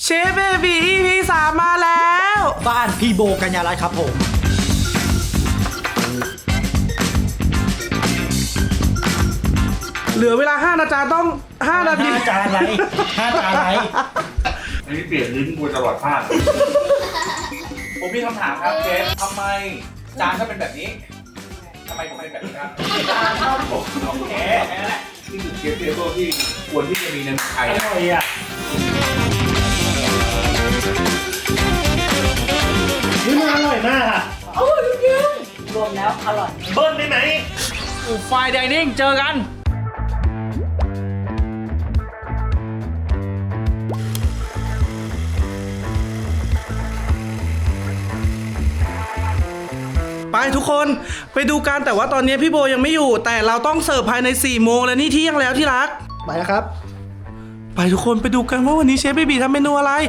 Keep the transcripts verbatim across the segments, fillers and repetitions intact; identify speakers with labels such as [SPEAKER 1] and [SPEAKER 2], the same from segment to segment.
[SPEAKER 1] เชฟเบบี อี พี สามมาแล้ว
[SPEAKER 2] บ้านพี่โบกัญญารัตน์ครับผม
[SPEAKER 1] เหลือเวลาห้านาทีต้องห้านาที
[SPEAKER 2] ห้าจานอะไรห้าจานอะไร
[SPEAKER 3] อันนี้เปลี่ยนลิ้นกูตลอดภาคผมมีคำถามครับเชฟทำไมจานถ้าเป็นแบบนี้ทำไมผมเป็นแบบนี้ครับจานชอบผมโอเคแค่นั้นแหละนี่คือเชฟเทเบิลที่ควรที่จะมีในเมืองไทยอร่อยอ่ะ
[SPEAKER 2] นี่มันอร่อยมากอ่ะ
[SPEAKER 4] อร่อยจริงรวมแล้วอร่อย
[SPEAKER 2] เบิ้ลได้ไหม
[SPEAKER 1] ไฟไดนิ่งเจอกันไปทุกคนไปดูกันแต่ว่าตอนนี้พี่โบยังไม่อยู่แต่เราต้องเสิร์ฟภายในสี่โมงแล้วนี่เที่ยงแล้วที่รัก
[SPEAKER 2] ไปแล้วครับ
[SPEAKER 1] ไปทุกคนไปดูกันว่าวันนี้เชฟเบบีทำเมนูอะไร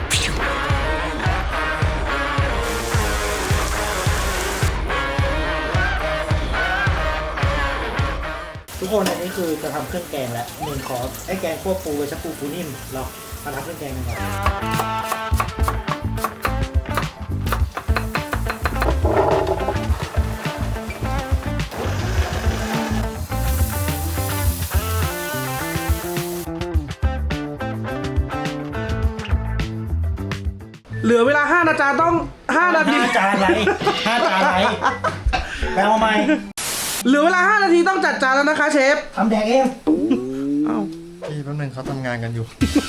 [SPEAKER 2] ทุกคนอันนี้คือจะทำเครื่องแกงแล้วหนึ่งขอไอ้แกงคั่วปูกับชักปูปูนิ่มเรามาทำเครื่องแกงกันก่อน
[SPEAKER 1] เหลือเวลาห้านาทีต้องห้านาที
[SPEAKER 2] ห้าจานอะไรห้าจานอะไรแปลว่าไหม
[SPEAKER 1] เหลือเวลาห้านาทีต้องจัดจานแล้วนะคะเชฟ
[SPEAKER 2] ทำแดงเอง
[SPEAKER 1] เอ้า
[SPEAKER 5] พี่แป๊บนึงเขาทำงานกันอยู่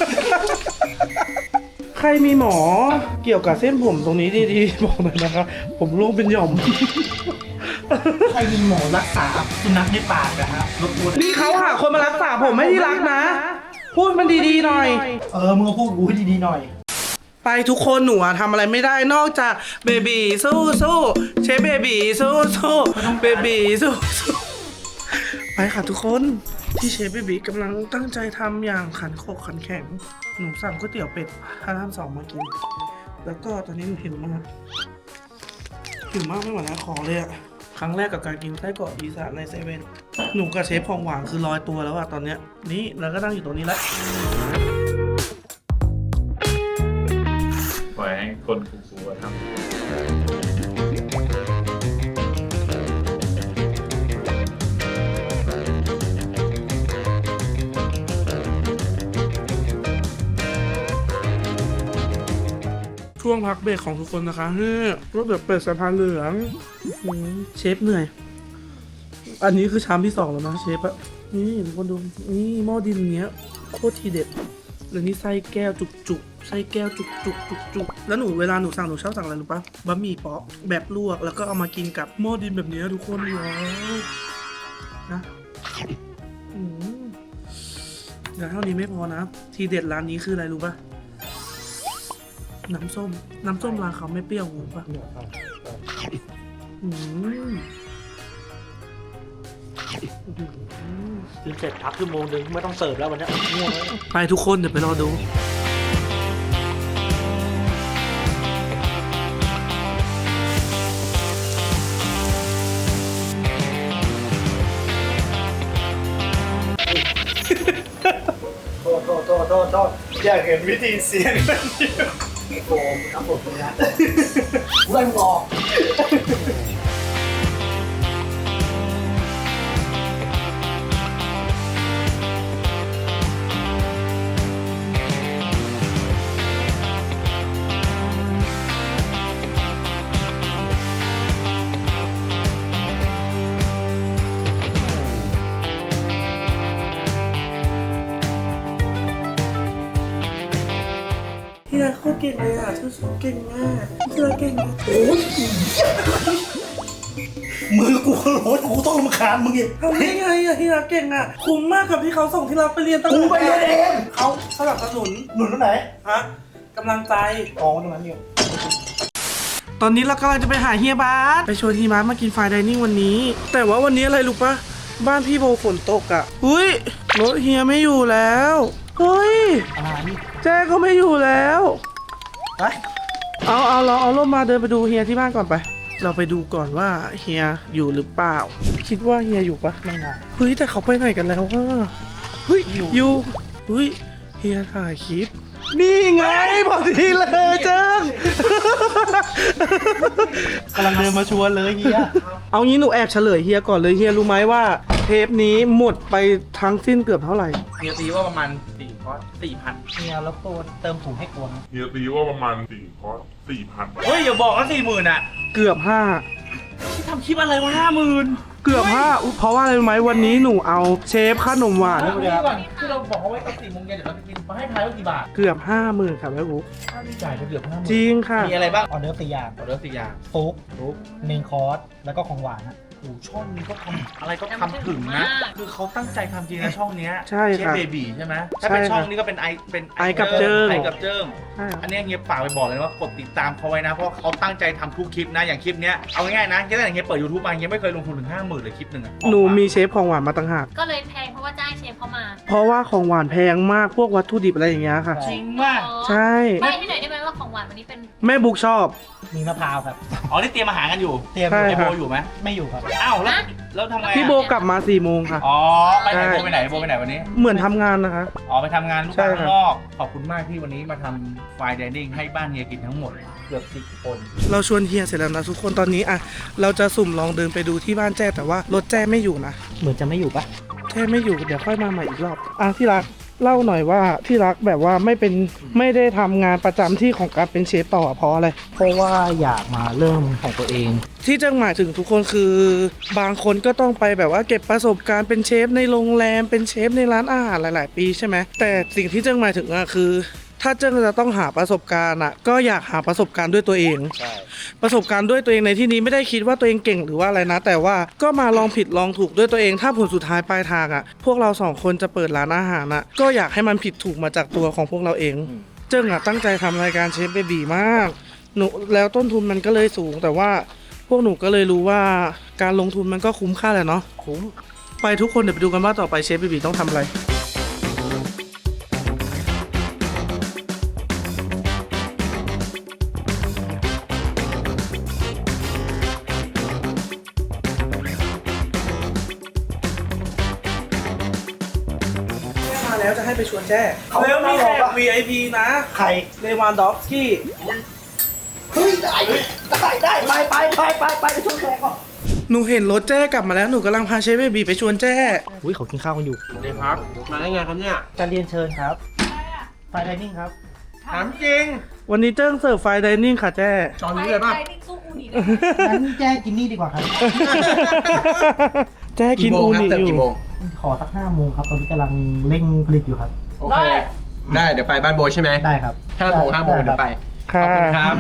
[SPEAKER 1] ใครมีหมอเกี่ยวกับเส้นผมตรงนี้ดีๆบอกหน่อยนะครับผมร่วงเป็นหย่อม
[SPEAKER 2] ใครมีหมอรักษาสุนัขในปากนะฮะรบกวน
[SPEAKER 1] นี่เขาหาคนมารักษาผมไม่ที่รักนะพูดมันดีๆหน่อย
[SPEAKER 2] เออมึงก็พูดกูให้ดีๆหน่อย
[SPEAKER 1] ไปทุกคนหนูอะทำอะไรไม่ได้นอกจากเบบีสู้สู้เชฟเบบีสู้สู้เบบีสู้สู้ไปค่ะทุกคนที่เชฟเบบีกำลังตั้งใจทำอย่างขันโคกขันแข็งหนูสั่งก๋วยเตี๋ยวเป็ดพารามสองมากินแล้วก็ตอนนี้หนูหิวมากหิวมากไม่ไหวแล้วขอเลยอะครั้งแรกกับการกินไส้กรอกอีสานในเซเว่นหนูกับเชฟของหวานคือลอยตัวแล้วอะตอนเนี้ยนี่เราก็นั่งอยู่ตรงนี้แล้ว
[SPEAKER 3] ปล่อยให้คนกูกูทำ
[SPEAKER 1] ช่วงพักเบรกของทุกคนนะคะเฮ้ยรถแบบเป็ดสะพานเหลืองเชฟเหนื่อยอันนี้คือชามที่สองแล้วนะเชฟอะนี่ทุกคนดูนี่หม้อดินเนี้ยโคตรทีเด็ดแล้วนี่ไส้แก้วจุกๆไส้แก้วจุกจุกจุกจุกแล้วหนูเวลาหนูสั่งหนูชอบสั่งอะไรรู้ปะบะหมี่เปาะแบบลวกแล้วก็เอามากินกับหม้อดินแบบนี้ทุกคนว้าวนะอืมแล้วเท่านี้ไม่พอนะทีเด็ดร้านนี้คืออะไรรู้ปะน้ำส้มน้ำส้มร้านเขาไม่เปรี้ยวหูปะอืม
[SPEAKER 2] กินเสร็จพักชั่วโมงนึงไม่ต้องเสิร์ฟแล้ววันนี้ง่วง
[SPEAKER 1] ไปทุกคนเดี๋ยวไปรอดู
[SPEAKER 2] โทษโทษโทษโทษโทษอยากเห็นวิธีเสียงโอ้โหครับผมเลยนะกูได้มึงออก
[SPEAKER 1] ที่รักโคตรเก่งเลยอ่ะสู้ๆเก่งมากที่รักเก่งมากโอ้ย
[SPEAKER 2] มือกูโหดกูต้องรำคาญมึงอีก
[SPEAKER 1] ทำได้ไงอ่ะที่รักเก่งอ่ะคุ้มมากกับที่เขาส่งที่รักไปเรียนตั้งแต่
[SPEAKER 2] กูไปเรียนเอง
[SPEAKER 1] เขาสนับสนุน
[SPEAKER 2] หนุนตรงไหน
[SPEAKER 1] ฮะกำลังใจ
[SPEAKER 2] อ๋อตรงนั้นอยู่
[SPEAKER 1] ตอนนี้เรากำลังจะไปหาเฮียบาสไปชวนเฮียบาสมากินไฟน์ไดนิ่งวันนี้แต่ว่าวันนี้อะไรรู้ปะบ้านพี่โบฝนตกอ่ะอุ้ยรถเฮียไม่อยู่แล้วเฮ้ย
[SPEAKER 2] อะไร
[SPEAKER 1] แจ้ก็ไม่อยู่แล้ว
[SPEAKER 2] ไป
[SPEAKER 1] เอาเอาเราเอาร่มมาเดินไปดูเฮียที่บ้านก่อนไปเราไปดูก่อนว่าเฮียอยู่หรือเปล่าคิดว่าเฮียอยู่ปะ
[SPEAKER 2] ไม่น่า
[SPEAKER 1] เฮ้ยแต่เขาไปไหนกันแล้ววะเฮ้ยอยู่เฮ้ยเฮียถ่ายคลิปนี่ไงพอดีเลยเจิ้ง
[SPEAKER 2] กำลังเดินมาชวนเลยเฮีย
[SPEAKER 1] เอางี้หนูแอบเฉลยเฮียก่อนเลยเฮียรู้ไหมว่าเทปนี้หมดไปทั้งสิ้นเกือบเท่าไหร่
[SPEAKER 3] เฮียตีว่าประมาณสี่คอร์สสี่พัน
[SPEAKER 2] เฮียแล้วตัวเติมถุงให้กลัวนะ
[SPEAKER 6] เฮียตีว่าประมาณสี่คอร์สสี่พัน
[SPEAKER 3] เฮ้ยอย่าบอกว่าสี่หมื่นอ่ะ
[SPEAKER 1] เกือบห้า
[SPEAKER 3] ที่ทำคลิปอะไรวะห้าหมื่น
[SPEAKER 1] เกือบห้าอุ๊ยเพราะว่าอะไรรู้ไหมวันนี้หนูเอาเชฟขนมหวาน
[SPEAKER 3] นี่ก่อนที่เราบอกเขาไว้ตอนสี่โมงเย็นเดี๋ยวเราจะกินมาให้ทายว่ากี่บาท
[SPEAKER 1] เกือบห้าหมื่นครับแม่บุ๊ก
[SPEAKER 3] จ่ายไปเกือบห้าหมื่น
[SPEAKER 1] จริงค่ะ
[SPEAKER 3] มีอะไรบ้าง
[SPEAKER 2] ออเดอร์สี่อย่าง
[SPEAKER 3] ออเดอร์สี่อย่าง
[SPEAKER 2] ซุปซุปเมนคอร์สแล้วก็ของหวานนะ
[SPEAKER 3] โอ้ช่องนี้ก็ทำอะไรก็ทำถึงนะ คือเขาตั้งใจทำจริงนะช่องเนี้ย
[SPEAKER 1] ใช่
[SPEAKER 3] เชฟ
[SPEAKER 1] ค่ะ
[SPEAKER 3] เบบีใช่ไหมถ้าเป็น
[SPEAKER 1] ใช่
[SPEAKER 3] ช่อง
[SPEAKER 1] ค่ะ
[SPEAKER 3] นี้ก็เป็นไอเป็น
[SPEAKER 1] ไอกับเจิ้ง
[SPEAKER 3] ไอกับเจิ้ง
[SPEAKER 1] ใช่ครับ
[SPEAKER 3] อันเนี้ยเฮียฝากไปบอกเลยนะว่ากดติดตามเขาไว้นะ เพราะเขาตั้งใจทำทุกคลิปนะ อย่างคลิปเนี้ย เอาง่ายๆนะตั้งแต่เฮียเปิด ยูทูบ มาเฮียไม่เคยลงทุนถึงห้าหมื่นเลยคลิปหนึ่งอะ
[SPEAKER 1] หนูมีเชฟของหวานมาต่างหาก
[SPEAKER 4] ก็เลยแพงเพราะว่าจ้างเชฟเข้ามา
[SPEAKER 1] เพราะว่าของหวานแพงมากพวกวัตถุดิบอะไรอย่างเงี้ยค่ะ
[SPEAKER 3] จริงมาก
[SPEAKER 4] อ๋อ
[SPEAKER 1] ใช่
[SPEAKER 4] ใบ้ให้หน่อยได้ไหมว่าของหวานวันนี้เป็น
[SPEAKER 1] แม่บุ๊กชอบ
[SPEAKER 2] มีมะพร้าวครับ
[SPEAKER 3] อ๋อ นี่เตรียมอาหารกันอยู่
[SPEAKER 2] เตรียม
[SPEAKER 1] ใช่
[SPEAKER 3] ไอ
[SPEAKER 1] ค
[SPEAKER 3] โบ
[SPEAKER 1] รับ
[SPEAKER 3] อยู่ไหม
[SPEAKER 2] ไม่อยู่ครับ
[SPEAKER 3] อ้าวแล้วแล้วทำไงอะ
[SPEAKER 1] พี่โบกลับมาสี่โมงค่ะ
[SPEAKER 3] อ๋อ ไปไหน
[SPEAKER 1] ใช่
[SPEAKER 3] โบไปไหนโบไปไหนวันนี้
[SPEAKER 1] เหมือนทำงานนะคะ
[SPEAKER 3] อ๋อไปทำงานลูก
[SPEAKER 1] ใช่
[SPEAKER 3] ค้า
[SPEAKER 1] ครับ
[SPEAKER 3] ข้างนอก ขอบคุณมากที่วันนี้มาทำไฟน์ไดนิ่งให้บ้านเฮียกินทั้งหมด เกือบสิบคน
[SPEAKER 1] เราชวนเฮียเสร็จแล้วนะทุกคนตอนนี้อ่ะเราจะสุ่มลองเดินไปดูที่บ้านแจ้แต่ว่ารถแจ้ไม่อยู่นะ
[SPEAKER 2] เหมือนจะไม่อยู่ปะ
[SPEAKER 1] แจ้ไม่อยู่เดี๋ยวค่อยมาใหม่อีกรอบอ่ะที่รักเล่าหน่อยว่าที่รักแบบว่าไม่เป็นไม่ได้ทำงานประจำที่ของการเป็นเชฟต่อเพราะอะไร
[SPEAKER 2] เพราะว่าอยากมาเริ่มของตัวเอง
[SPEAKER 1] ที่เจ้าหมายถึงทุกคนคือบางคนก็ต้องไปแบบว่าเก็บประสบการณ์เป็นเชฟในโรงแรมเป็นเชฟในร้านอาหารหลาย ๆ ปีใช่ไหมแต่สิ่งที่เจ้าหมายถึงอะคือ ถ้าเจ้าจะต้องหาประสบการณ์อะก็อยากหาประสบการณ์ด้วยตัวเอง
[SPEAKER 2] ใช่
[SPEAKER 1] ประสบการณ์ด้วยตัวเองในที่นี้ไม่ได้คิดว่าตัวเองเก่งหรือว่าอะไรนะ แต่ว่าก็มาลองผิดลองถูกด้วยตัวเอง ถ้าผลสุดท้ายปลายทางอะพวกเราสองคนจะเปิดร้านอาหารอะก็อยากให้มันผิดถูกมาจากตัวของพวกเราเอง เจิ้งอะตั้งใจทำรายการเชฟเบบีมากหนูแล้วต้นทุนมันก็เลยสูง แต่ว่าพวกหนูก็เลยรู้ว่าการลงทุนมันก็คุ้มค่าแหละเนาะ
[SPEAKER 2] คุ้ม
[SPEAKER 1] ไปทุกคนเดี๋ยวไปดูกันว่าต่อไปเชฟเบบีต้องทำอะไรมาแล้วจะให้ไปชวนแจ้แล้วมีแขก วี ไอ พี นะ
[SPEAKER 2] ใคร
[SPEAKER 1] เลวานดอฟสกี้
[SPEAKER 2] เฮ้ยได้ได้ได้ไปไปไปไปไปไปชวนแขกก่อน
[SPEAKER 1] หนูเห็นรถแจ้กลับมาแล้วหนูกำลังพาเชฟเบบีไปชวนแจ้
[SPEAKER 2] อุ้ยเขากินข้าวกันอยู่
[SPEAKER 3] เดี๋ยวครับ มาได้ไงครับเนี่ย
[SPEAKER 2] จะเรียนเชิญครับไฟไดนิ่งครับ
[SPEAKER 3] ถามจริง
[SPEAKER 1] วันนี้เจิ้งเสิร์ฟไฟน์ไดนิ่งค่ะแจ้
[SPEAKER 3] จอนนี้เลยป่ะ
[SPEAKER 4] ไปนิ่งสู้อูนิเลย
[SPEAKER 2] งั้นแจ้กินนี่ดีกว่าครับ
[SPEAKER 1] แจ้กินอูนิอยู่
[SPEAKER 2] ขอสักห้าโมงครับ ตอนนี้กำลังเร่งผลิตอยู่ครับ
[SPEAKER 7] โอเค ได้ เดี๋ยวไปบ้านโบใช่ไหม
[SPEAKER 2] ได้ครับ
[SPEAKER 7] ห้าโมงห้าโมงเดี๋ยวไป
[SPEAKER 1] ค่ะ
[SPEAKER 7] ขอบคุณครับ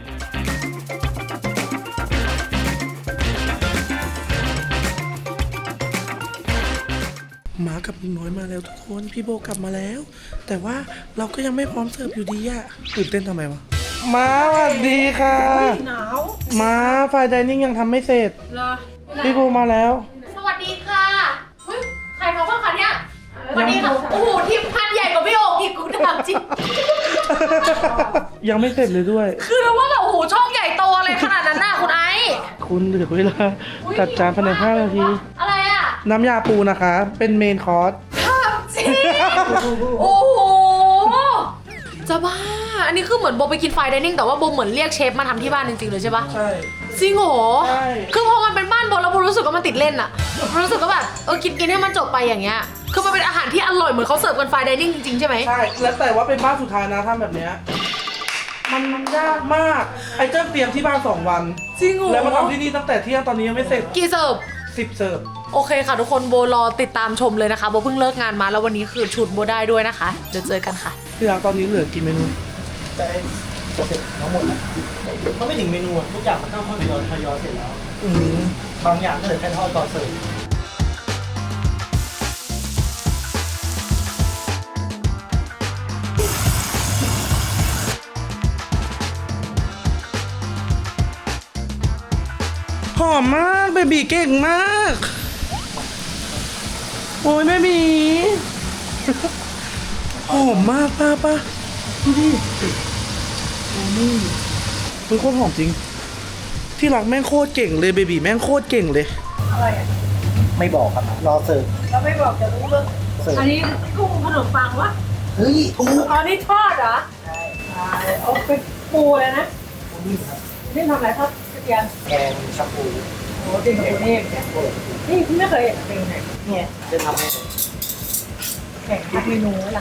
[SPEAKER 1] หมากับลิงน้อยมาแล้วทุกคนพี่โบกลับมาแล้ว แต่ว่าเราก็ยังไม่พร้อมเสิร์ฟอยู่ดีอะตื่นเต้นทำไมวะมาสวัสดีค่ะ
[SPEAKER 4] หนาว
[SPEAKER 1] มาไฟน์ไดนิ่งยังทำไม่เสร็จ
[SPEAKER 4] เหรอ
[SPEAKER 1] พี่โบมาแล้ว
[SPEAKER 4] สวัสดีค่ะเฮ้ยใครมาบ้างคะเนี่ยสวัสดีค่ะโอ้โหทีมพันใหญ่กว่าพี่โอ่งอีกกูถามจริง
[SPEAKER 1] ยังไม่เสร็จเลยด้วย
[SPEAKER 4] คือเราว่าแบบโอ้โหช่องใหญ่โตอะไรขนาดนั้นน่ะคุณไอซ์
[SPEAKER 1] คุณเหลือเวลาจัดจานภายในห้านาที
[SPEAKER 4] อะไรอ่ะ
[SPEAKER 1] น้ำยาปูนะคะ เป็นเมนคอร์ส
[SPEAKER 4] ถามจริงโอ้โหจะบ้าอันนี้คือเหมือนโบไปกินไฟน์ไดนิ่งแต่ว่าโบเหมือนเรียกเชฟมาทำที่บ้านจริงๆเลยใช่ปะ
[SPEAKER 1] ใช่
[SPEAKER 4] จริงเหรอ
[SPEAKER 1] ใช่
[SPEAKER 4] คือพอมันเป็นบ้านโบแล้วโบรู้สึกว่ามันติดเล่นอะรู้สึกว่าแบบเออกินกินให้มันจบไปอย่างเงี้ย คือมันเป็นอาหารที่อร่อยเหมือนเขาเสิร์ฟกันไฟน์ไดนิ่งจริงๆใช่ไหม
[SPEAKER 1] ใช่ แล้วแต่ว่าเป็นบ้านสุดท้ายนะทำแบบเนี้ยมันยากมาก ไอ้เจ้าเตรียมที่บ้านสองวัน
[SPEAKER 4] จริงเหรอ
[SPEAKER 1] แล้วมาทำที่นี่ตั้งแต่เที่ยงตอนนี้ยังไม่เสร็จ
[SPEAKER 4] กี่เสิร์ฟ
[SPEAKER 1] สิบเสิร์ฟ
[SPEAKER 4] โอเคค่ะทุกคนโบรอติดตามชมเลยนะคะโบเพิ่งเลิกงานมาแล้ววันนี้คือชุดโบได้ด้วยนะคะ เดี๋ยวเจอกันค่ะ
[SPEAKER 1] ที่ร้านตอนนี้เหลือกี่เมนู
[SPEAKER 2] แต่จะเสร็จทั้งหมดแล้วมันไม่ถึงเมนูอะทุกอย่างมันต้องทยอยทยอยเสร็จแล้ว
[SPEAKER 1] อืม
[SPEAKER 2] บางอย่างก็เหลือแค่ทอดต่อเสิร์ฟ
[SPEAKER 1] หอมมากเบบีเก่งมาก โอ้ยแม่หมี หอมมากป้าป้าดูดิโอ้นี่เป็นโคตรหอมจริง ที่รักแม่งโคตรเก่งเลยเบบีแม่งโคตรเก่งเลย
[SPEAKER 2] ไม่บอกครับ รอเสิร์ฟ
[SPEAKER 8] เราไม่บอกจะรู้เรื่อง
[SPEAKER 2] เสิร์ฟ
[SPEAKER 8] อันนี้กุ้งขนมปังวะ
[SPEAKER 2] เฮ้ยถูก
[SPEAKER 4] อ๋อนี่ทอดเหรอ
[SPEAKER 2] ใช่
[SPEAKER 4] เอาเป็นปูเลยนะ
[SPEAKER 2] ปูนิ่มครับ
[SPEAKER 4] นี่ทำอะไรทอดกระเทียม
[SPEAKER 2] แกงชาปู
[SPEAKER 4] โอ้จริงกับปูนี่
[SPEAKER 2] แกงโป่ง
[SPEAKER 4] นี่พี่ไม่เคยเห็นเป็นไง
[SPEAKER 2] เนี่ยจะทำให้
[SPEAKER 4] แข่งทักเมนูล่ะ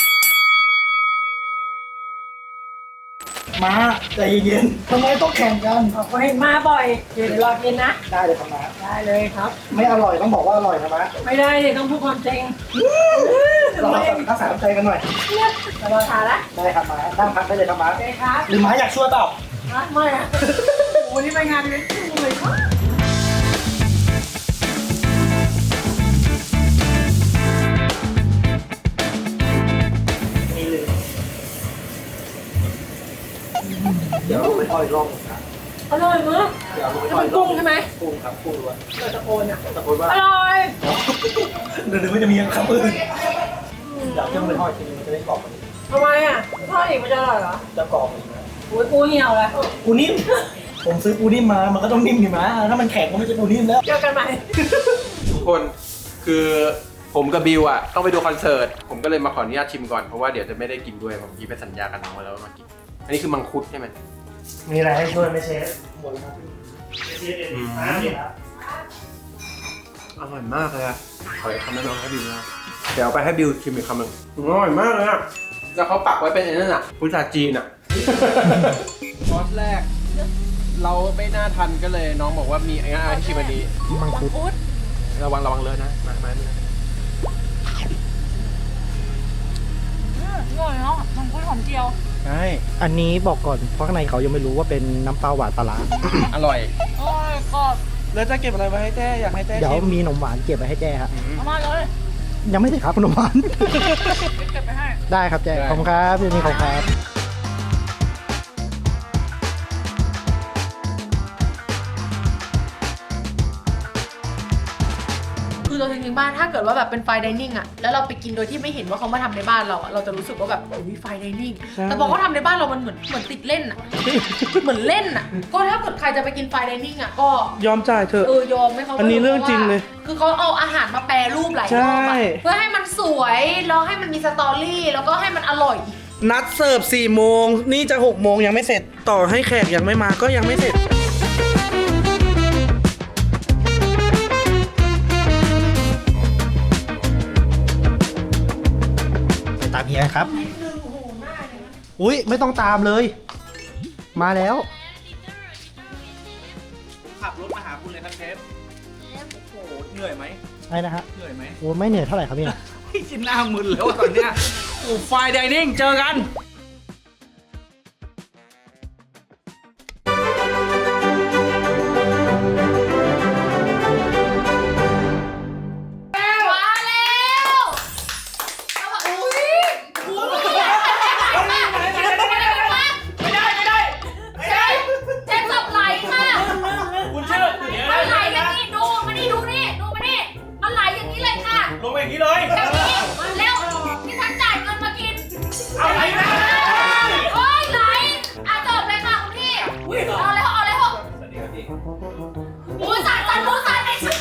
[SPEAKER 2] มาใจเย็นๆทำไมต้องแข่งกัน
[SPEAKER 4] บอกว่าให้มาบ่อยเดี๋ยวรอกินนะ
[SPEAKER 2] ได้เลยครับมา
[SPEAKER 4] ได้เลยครับ
[SPEAKER 2] ไม่อร่อยต้องบอกว่าอร่อยนะมา
[SPEAKER 4] ไม่ได้เลยต้องพูดความจริง
[SPEAKER 2] เรารักษาน้ำใจกันหน่อย
[SPEAKER 4] จะรอทานละ
[SPEAKER 2] ได้ครับมานั่งพักได้เลยครับมา
[SPEAKER 4] โอเคครับ
[SPEAKER 2] หรือม้าอยากช่วยเปล่า
[SPEAKER 4] มาไม่อะโอ้นี่ไปงานเลยเลยครับ
[SPEAKER 2] มีเลยเดี๋ยวไปทอดอีกรอบหนึ่งครับ
[SPEAKER 4] อร่อยมาก
[SPEAKER 2] เดี๋ยวไป
[SPEAKER 4] จะ
[SPEAKER 2] ทอด
[SPEAKER 4] เป็น
[SPEAKER 2] อีกรอบ
[SPEAKER 4] กุ้งใช่ไหม
[SPEAKER 2] กุ้งครับกุ้งล้วน
[SPEAKER 4] เราตะโกนอ่ะ
[SPEAKER 2] ตะโกนว่า
[SPEAKER 4] อร่อย
[SPEAKER 2] เดี๋ยวไม่จะมีคำอื่นอยากจะไปทอดทีนึงมันจะได้กรอบกว่านี้
[SPEAKER 4] ทำไมอ่ะทอดอีกมันจะอร่อยเหรอ
[SPEAKER 2] จะกรอบกว่านี้นะ
[SPEAKER 4] โอ้ยปูเหี่ยวเลย
[SPEAKER 2] ปูนิ่มผมซื้อปูนิ่มมามันก็ต้องนิ่มดิมาถ้ามันแข็งก็ไม่ใช่ปูนิ่มแล้ว
[SPEAKER 4] เจอกันใหม่
[SPEAKER 7] ทุกคนคือผมกับบิวอ่ะต้องไปดูคอนเสิร์ตผมก็เลยมาขออนุญาตชิมก่อนเพราะว่าเดี๋ยวจะไม่ได้กินด้วยผมกี้ไปสัญญากันน้องไว้แล้วว่ามากินอันนี้คือมังคุดใช่ไหม
[SPEAKER 2] มีอะไรให้ช่วยไหมเชฟหมดแล้วครับเชฟเอ็นอ่าเนี่ยครับ
[SPEAKER 7] อร่อยมากเลยอะขออีกคำแนะนำให้บิวนะเดี๋ยวเอาไปให้บิวชิมอีกคำหนึ่งอร่อยมากเลยอะแล้วเขาปักไว้เป็นไอ้นั่นอะพุทราจีนอะ คอร์สแรก เราไม่น่าทันก็เลยน้องบอกว่ามีไอ้งั้นเอาให้ชิมอันนี้
[SPEAKER 2] มังคุด
[SPEAKER 7] ระวังระวังเลอะนะมามามา
[SPEAKER 4] อร่อยเนาะมังคุดหอมเจียว
[SPEAKER 2] ใช่อันนี้บอกก่อนเพราะข้างในเขายังไม่รู้ว่าเป็นน้ำปลาหวานปลาร้า
[SPEAKER 7] อร่อย
[SPEAKER 4] อร่อยกรอบ
[SPEAKER 1] แล้วจะเก็บอะไรไว้ให้แจ้อยากให้แจ้
[SPEAKER 2] เดี๋ยว
[SPEAKER 1] ชิม
[SPEAKER 2] มีขนมหวานเก็บไว้ให้แจ้ครับ
[SPEAKER 4] เอามาเลย
[SPEAKER 2] ยังไม่ได้ครับขนมหวาน
[SPEAKER 4] เก็บไปให้
[SPEAKER 2] ได้ครับแจ้ขอบคุณครับพี่นี่ขอบคุณครับ
[SPEAKER 4] คือตัวจริงๆบ้านถ้าเกิดว่าแบบเป็นไฟดิเนิ่งอะแล้วเราไปกินโดยที่ไม่เห็นว่าเขามาทำในบ้านเราอะเราจะรู้สึกว่าแบบโอ้ยไฟดิเนิ่งแต่พอเขาทำในบ้านเรามันเหมือนเหมือนติดเล่นอะเหมือนเล่นอะก็ถ้าเกิดใครจะไปกินไฟดิเนิ่งอะก็
[SPEAKER 1] ยอมจ่ายเถอะ
[SPEAKER 4] เออยอมไม่เขา
[SPEAKER 1] อันนี้เรื่องจริงเลย
[SPEAKER 4] คือเขาเอาอาหารมาแปรรูปหลายรอบ
[SPEAKER 1] ใช่
[SPEAKER 4] อะเพื่อให้มันสวยแล้วให้มันมีสตอรี่แล้วก็ให้มันอร่อย
[SPEAKER 1] นัดเสิร์ฟสี่โมงนี่จะหกโมงยังไม่เสร็จ ต่อให้แขกยังไม่มาก็ยังไม่เสร็จ
[SPEAKER 2] ไปตามเฮียครับ อุ้ยไม่ต้องตามเลย มาแล้ว
[SPEAKER 3] ขับรถมาหาคุณเลยครับเชฟโอ้โหเหนื่อยไหม
[SPEAKER 2] ไอ้นะฮะ
[SPEAKER 3] เหนื่อยไหม
[SPEAKER 2] โอ้ไม่เหนื่อยเท่าไหร่ครับเนี่ย
[SPEAKER 3] พี่ชินหน้ามึนแล้วอะตอนเนี้ยโอ้ไฟไดนิ่งเจอกัน
[SPEAKER 4] มาแล้วอุ้ยคุณไม่ได้ไม่ได้ไม่ได้ไม่ได้เจ๊เจ๊จับไหลค่ะ
[SPEAKER 3] คุณเชื่อเดี๋ยว
[SPEAKER 4] มันไหลอย่างนี้ดูมานี่ดูนี่ดูมานี่มันไหลอย่างนี้เลยค่ะ
[SPEAKER 3] ลงไปอย่างนี้เลย
[SPEAKER 4] อย่างนี้มันแล้วที่ฉันจ่ายเงินมากิน
[SPEAKER 3] เอาไหลนะ
[SPEAKER 4] โอ้ยไหลอ่ะจบเลยค่ะคุณพี่เอาเลยเอาเลยหมูสันสันหมูสันไอ้ชิ้น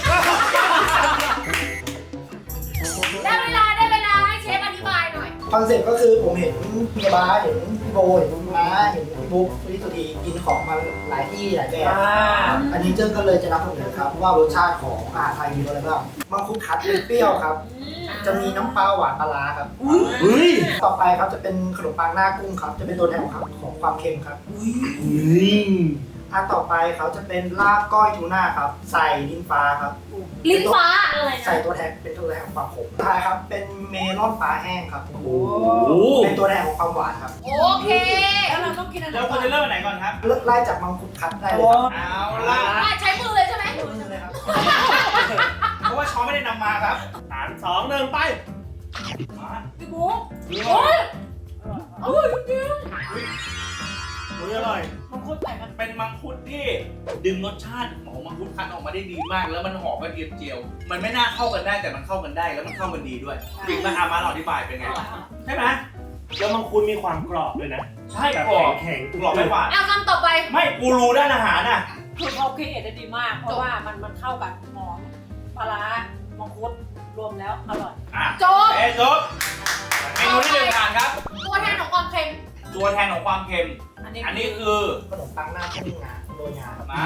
[SPEAKER 4] ได้เวลาได้เวลาให้เชฟอธิบายหน่อย
[SPEAKER 2] คอนเซ็ปต์ก็คือผมเห็นพี่บาสเห็นพี่โบเห็นพี่ม้าเห็นพี่บุ๊กพี่สุธีกินของมาหลายที่หลายแบบอันนี้เจ้าก็เลยจะนำเสนอครับว่ารสชาติของอาหารไทยมีอะไรบ้างมังคุดคัดเป็นเปรี้ยวครับ จะมีน้ำปลาหวานปลาร้าครับต่อไปครับจะเป็นขนมปังหน้ากุ้งครับ จะเป็นตัวแทนของความของความเค็มครับอันต่อไปเขาจะเป็นลาบก้อยทูน่าครับ ใส่ลิ้นฟ้าครับ
[SPEAKER 4] ลิ้นฟ้าอะไร
[SPEAKER 2] ใส่
[SPEAKER 4] นะ
[SPEAKER 2] ตัวแทนเป็นตัวแทนของความขมท้ายครับเป็นเมลอนปลาแห้งครับ
[SPEAKER 3] โอ้
[SPEAKER 2] เป็นตัวแทนของความหวานครับ
[SPEAKER 4] โอเคแล้วเราต้องกินอะไร
[SPEAKER 3] แล้วคุณจะเริ่มอันไหนก่อนครับ
[SPEAKER 2] เลิกไล่จากมังคุดคัดได้เลยครับ
[SPEAKER 3] เอาล่ะ
[SPEAKER 4] ใช้มือเลยใช่ไหม
[SPEAKER 2] เลยครับ
[SPEAKER 3] เพราะว่าช้อนไม่ได้นำมาครับสามสองหนึ่งไปมา
[SPEAKER 4] พี่บุ๊กโอ้ยอร่อยจริง
[SPEAKER 3] อุ้ยอร่อย
[SPEAKER 4] มังคุดแต่กัน
[SPEAKER 3] เป็นมังคุดที่ดึงรสชาติของมังคุดคั้นออกมาได้ดีมาก แล้วมันหอมกระเทียมเจียว มันไม่น่าเข้ากันได้แต่มันเข้ากันได้แล้วมันเข้ากันดีด้วยจริงป่ะอามาลองอธิบายเป็นไงใช่ไหม
[SPEAKER 8] แล้วมังคุดมีความกรอบด้วยนะ
[SPEAKER 3] ใช่
[SPEAKER 8] แบบ
[SPEAKER 3] กรอบ
[SPEAKER 8] แข็งๆ
[SPEAKER 3] กรอบไม่หวาน
[SPEAKER 4] อ่ะคำต่อไป
[SPEAKER 3] ไม่กูรู้ด้านอาหารน่ะ
[SPEAKER 9] คือเขาคิดเอทได้ดีมาก เพราะว่ามันมันเข้ากับหอมปลาร้ามังคุดรวมแล้วอร่อย
[SPEAKER 3] อ่ะ
[SPEAKER 4] จบ
[SPEAKER 3] เอ๊ะจบไงนูที่หนึ่งผ่านครับ
[SPEAKER 4] ตัวแทนของความเค็ม
[SPEAKER 3] ตัวแทนของความเค็ม
[SPEAKER 9] อันนี้
[SPEAKER 3] อันนี้คือ
[SPEAKER 2] ขนมปังหน้าข้าวงาโรยงาครับ
[SPEAKER 3] มา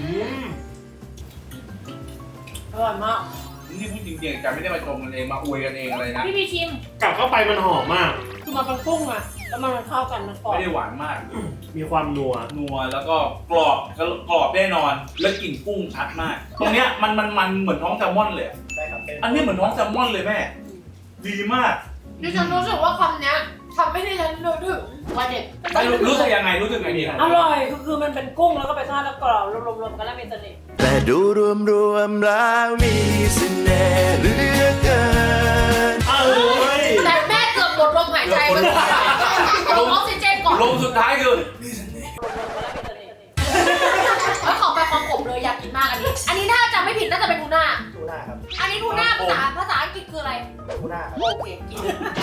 [SPEAKER 9] อร่อยมาก
[SPEAKER 3] นี่พูดจริงๆจะไม่ได้มาชมกันเองมาอวยกันเองอะไรนะ
[SPEAKER 9] พี่พี่ชิม
[SPEAKER 8] กลับเข้าไปมันหอมมาก
[SPEAKER 9] คือมันเป็นกุ้งอะแล้วมันเข้ากันมันกรอบ
[SPEAKER 3] ไม่ได้หวานมาก
[SPEAKER 8] มีความนัว
[SPEAKER 3] นัวแล้วก็กรอบกรอบแน่นอน แล้วกลิ่นกุ้งชัดมาก ตรงเนี้ยมันมันมันเหมือนท้องแซลมอนเลย
[SPEAKER 2] ใช่ครับเป็น
[SPEAKER 3] อันนี้เหมือนท้องแซลมอนเลยแม่ ดีมาก
[SPEAKER 4] ดิฉันรู้สึกว่าคำเนี้ยทำให้ดิฉันนึกถึงวัยเด็ก
[SPEAKER 3] ไม่รู้รู้สึกยังไงรู้สึกไงดีครับ
[SPEAKER 9] อร่อยคือคือมันเป็นกุ้งแล้วก็ไปทอดแล้วกรอบรวมๆกันแล้วมีเสน่ห์
[SPEAKER 10] แต่ดูรวมรวมๆแล้วมีเสน่ห์เหลือเกิน
[SPEAKER 8] เอ้ย
[SPEAKER 4] แต่แม่เกือบหมดลมหายใจไปก่อนลงออกซิเจนก่อน
[SPEAKER 3] ลงสุดท้ายคือ
[SPEAKER 4] แล้วขอไปความขมเลยอยากกินมากอันนี้ อันนี้ถ้าจำไม่ผิดน่าจะเป็นทูน่า
[SPEAKER 2] ทูน่าครับ
[SPEAKER 4] อันนี้ทูน่าภาษาภาษาอังกฤษคืออะไร
[SPEAKER 2] ทูน่าครับ
[SPEAKER 4] โอเคกิน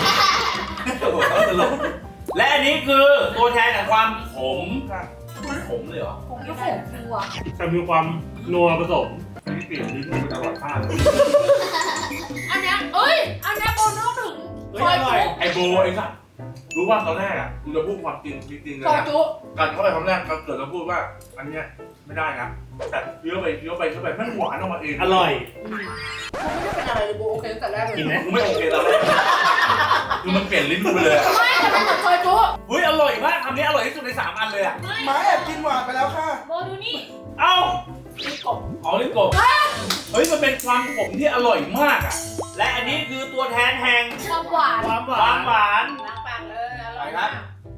[SPEAKER 3] และอันนี้คือตัวแทนของความขมขมเลยเหรอ
[SPEAKER 4] คงไม่ขมคือว่ะ
[SPEAKER 8] แต่มีความนัวผสม
[SPEAKER 3] อันนี้เปลี่ยนลิ้นกูตลอดชาติ
[SPEAKER 4] อันเนี้ยเอ้ย อันเนี้ยโบนึกถึงซอยจุ
[SPEAKER 3] ไอโบไอ้สัสรู้ว่าตอนแรกอ่ะกูจะพูดความจริงจริงๆเลย
[SPEAKER 4] ซอย
[SPEAKER 3] นะ
[SPEAKER 4] จุ
[SPEAKER 3] การเข้าไปคำแรกเราเกิดเราพูดว่า อันเนี้ยไม่ได้นะแต่เคี้ยวไปเคี้ยวไปเคี้ยวไปมันหวานออกมาเอง
[SPEAKER 8] อร่อย
[SPEAKER 4] กูไม่ได้เป็นอะไรเลยโบโอเคตั้งแต่แรกเลย
[SPEAKER 8] กินไหม
[SPEAKER 3] กูไม่โอเคตอนแรกคือมันเปลี่ยนลิ้นกูไปเลยอะ
[SPEAKER 4] ไม่แต่เป็นเหมือนซอยจุ
[SPEAKER 3] เฮ้ยอร่อยมากคำนี้อร่อยที่สุดในสามอันเลยอ่ะ
[SPEAKER 2] หมาแอบกินหวานไปแล้วค่ะ
[SPEAKER 9] โบดูนี่
[SPEAKER 3] เอ้า
[SPEAKER 9] นี่กบ
[SPEAKER 3] อ๋อลิ้นกบเฮ้ยมันเป็นความขมที่อร่อยมากอ่ะและอันนี้คือตัวแทนแห่ง
[SPEAKER 4] ความหวาน
[SPEAKER 8] ความห
[SPEAKER 3] ควาว
[SPEAKER 8] าม น
[SPEAKER 3] หวาน
[SPEAKER 9] ล้างปากเลยอร่อย
[SPEAKER 3] ไปครั
[SPEAKER 9] มา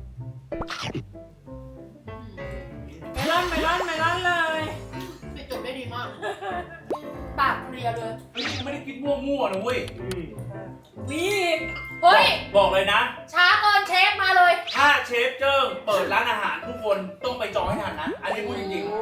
[SPEAKER 3] บ
[SPEAKER 9] กเมลอนเมลอนเมลอนเลย
[SPEAKER 4] ปิดจบได้ดีมาก ปากเคลียร์เลย
[SPEAKER 3] เฮ้ยกูไม่ได้คิดมั่วๆนะเว้ย
[SPEAKER 8] อืม
[SPEAKER 9] มีอีก
[SPEAKER 4] เฮ้ย
[SPEAKER 3] บอกเลยนะ
[SPEAKER 4] ช้าเกินเชฟมาเลย
[SPEAKER 3] ถ้าเชฟเจิ้งเปิดร้านอาหารทุกคนต้องไปจองให้ทันนะ อันนี้พูดจริง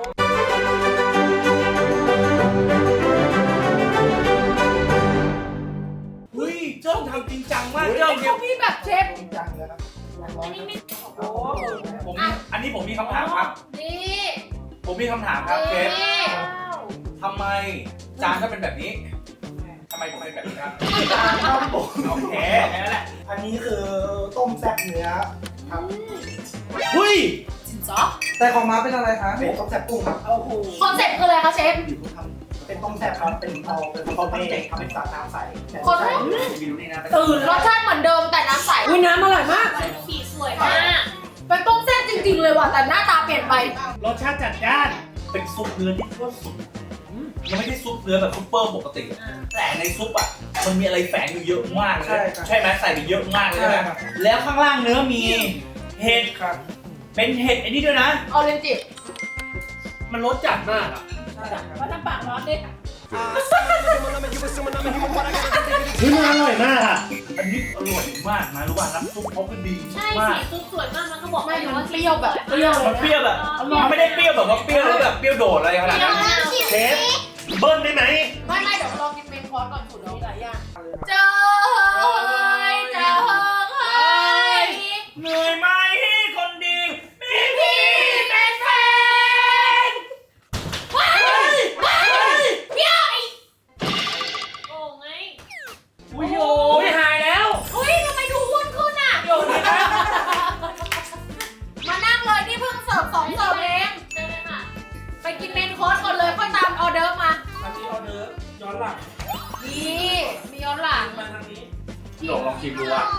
[SPEAKER 3] ๆเฮ้ยเจิ้งทำจริงจังมากเจิ้งเดี๋ยว
[SPEAKER 4] มีแบบเชฟ
[SPEAKER 2] จริงจังเลยครับ
[SPEAKER 9] อันนี้ไม่โอ้
[SPEAKER 3] ผมอันนี้ผมมีคำถามครับ
[SPEAKER 4] นี่
[SPEAKER 3] ผมมีคำถามครับเชฟ
[SPEAKER 4] นี่
[SPEAKER 3] ทำไมจานก็เป็นแบบนี้ทำไมผมเป็นแบบนี้ครับ
[SPEAKER 2] ครับผม
[SPEAKER 3] โอเคแค่นั้นแหละ
[SPEAKER 2] อันนี้คือต้มแซ่บเนื้อครับ
[SPEAKER 8] เฮ้ย
[SPEAKER 4] สินซอ
[SPEAKER 2] แต่ของม้าเป็นอะไรคะเป็นต้มแซ่บกุ้งครับ
[SPEAKER 9] โอ้โห
[SPEAKER 4] คอนเซ็ปต์คืออะไรคะเชฟ
[SPEAKER 2] ทำเป็นต้มแซ่บครับเป็นเอาเป็นเขาตั้งใจทำเป็นสาน้ำใสแต่
[SPEAKER 4] คน
[SPEAKER 2] ใช่
[SPEAKER 3] วิวนี่นะ
[SPEAKER 4] ตื่นรสชาติเหมือนเดิมแต่น้ำใส
[SPEAKER 9] อุ้ยน้ำอร่อยมาก
[SPEAKER 4] สีสวยมาก เป็นต้มแซ่บจริงๆเลยว่ะแต่หน้าตาเปลี่ยนไป
[SPEAKER 8] รสชาติจัดจ้าน
[SPEAKER 3] เป็นซุปเนื้อที่โคตรสุดยังไม่ได้ซุปเนื้อแบบซุปเปอร์ปกติ แต่ในซุปอ่ะมันมีอะไรแฝงอยู่เยอะมากเลย
[SPEAKER 2] ใช่ครับ
[SPEAKER 3] ใช่ไหมใส่ไปเยอะมากเลย
[SPEAKER 2] ใช่
[SPEAKER 3] ใช่ไหม
[SPEAKER 2] ครับ
[SPEAKER 3] แล้วข้างล่างเนื้อมีเห็ด
[SPEAKER 2] ครับ
[SPEAKER 3] เป็นเห็ดไอ้นี่ด้วยนะ
[SPEAKER 4] ออเรนจิ
[SPEAKER 3] มันรสจัดมากอ่ะ
[SPEAKER 9] เพราะน้ำปากร้อนเด็ด
[SPEAKER 8] เฮ้ยมันอร่อยมากอ่ะ
[SPEAKER 3] อันนี้อร่อยมากนะรู้ป่ะน้ำซุปเขาคือดี
[SPEAKER 9] ใช่
[SPEAKER 3] มาก
[SPEAKER 9] สีซุปสวยมากมันก็บอก
[SPEAKER 4] ไม่มันเปรี้ยวแบบเปรี้ยวเล
[SPEAKER 3] มัน
[SPEAKER 4] ย
[SPEAKER 3] เปรี้ยวแบบมันไม่ได้เปรี้ยวแบบว่าเปรี้ยวแล้วแบบเปรี้ยวโดดอะไรขนาดนั้น
[SPEAKER 8] เชฟเบิ้ลได้ไหม
[SPEAKER 4] ไม่ไม่เดี๋ยวลองกินเมนคอร์สก่อนสุดแล้ว
[SPEAKER 9] มีหลายอย่าง
[SPEAKER 4] เจอเฮ้ยเจอเฮ้ย
[SPEAKER 3] เหนื่อยไหมคนดีมี
[SPEAKER 4] พี่เป็นแฟนว้ายว้ายเปรี้ยวไอ้
[SPEAKER 9] โอ้ไง
[SPEAKER 3] อุ้ยโอ้ยหายแล้ว
[SPEAKER 4] อุ้ยทำไมดูอ้วนขึ้นอ่ะ
[SPEAKER 3] โยนเลยนะ
[SPEAKER 4] มานั่งเลยนี่เพิ่งเสิร์ฟสองเสิร์ฟเอง
[SPEAKER 9] เจอเลยค่ะ
[SPEAKER 4] ไปกินเมนคอร์สก่อนเลยค่อยตามออเดิร์ฟมา
[SPEAKER 3] อันนี้ออเดอร์ย้อนหลัง
[SPEAKER 4] นี่มีย้อนหลัง
[SPEAKER 3] มาทางนี้ลองลองชิมดูอ่ะ